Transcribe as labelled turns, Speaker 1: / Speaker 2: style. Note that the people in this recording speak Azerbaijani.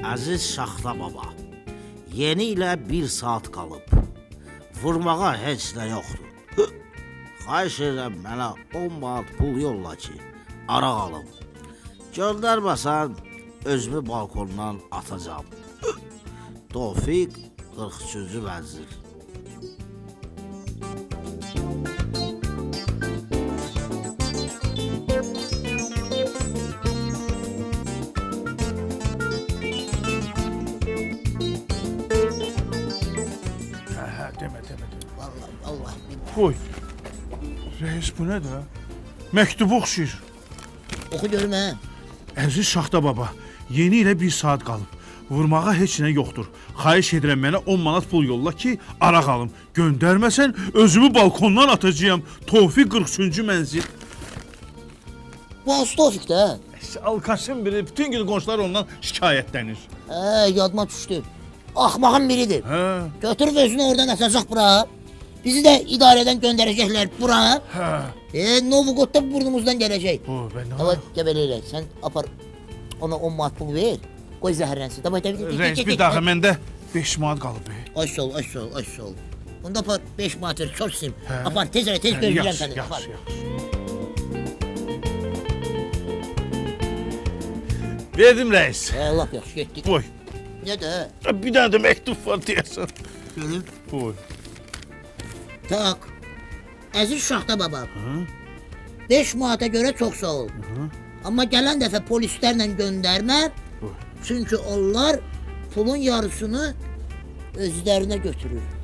Speaker 1: Əziz Şaxta baba, yeni ilə 1 saat qalıb. Vurmağa heç nə yoxdur. Xahiş edirəm mənə 10 manat pul yolla ki, araq alım. Göndərməsən, özümü balkondan atacağım. Tofiq 43-cü vəzir.
Speaker 2: Demə.
Speaker 1: Allah.
Speaker 2: Qoy. Reis, bu nədir? Məktubu oxşayır.
Speaker 1: Oxu görüm hə.
Speaker 2: Əziz Şaxta baba, yeni ilə 1 saat qalıb. Vurmağa heç nə yoxdur. Xahiş edirəm mənə 10 manat pul yolla ki, araq alım. Göndərməsən, özümü balkondan atacağım. Tofiq 43-cü mənzil.
Speaker 1: Bu hansı Tofiq də?
Speaker 2: Alkaşın biri, bütün gün qonşular ondan şikayətlənir.
Speaker 1: Yadıma düşdü. Axmağın biridir. Götürüb özünü oradan atacaq bura. Bizi də idarədən göndərəcəklər bura. Novugodda burnumuzdan gələcək. Ama gəbələyirək, sən apar ona 10 manat pul ver. Qoy zəhərlənsin.
Speaker 2: Reis, bir daha məndə 5 manat qalıb.
Speaker 1: Ay sol. Onda apar 5 manat ver, körsün. Apar, tez gözləyirəm səni.
Speaker 2: Yaxşı. Verdim reis.
Speaker 1: Lap yaxşı, getdik.
Speaker 2: Qoy.
Speaker 1: Nədir?
Speaker 2: Bir dənə də məktub var deyəsən.
Speaker 1: Görüm.
Speaker 2: Qoy.
Speaker 1: Tak. Əziz Şaxta baba. 5 manata görə çox sağ ol. Amma gələn dəfə polislərlə göndərmə. Çünki onlar pulun yarısını özlərinə götürür.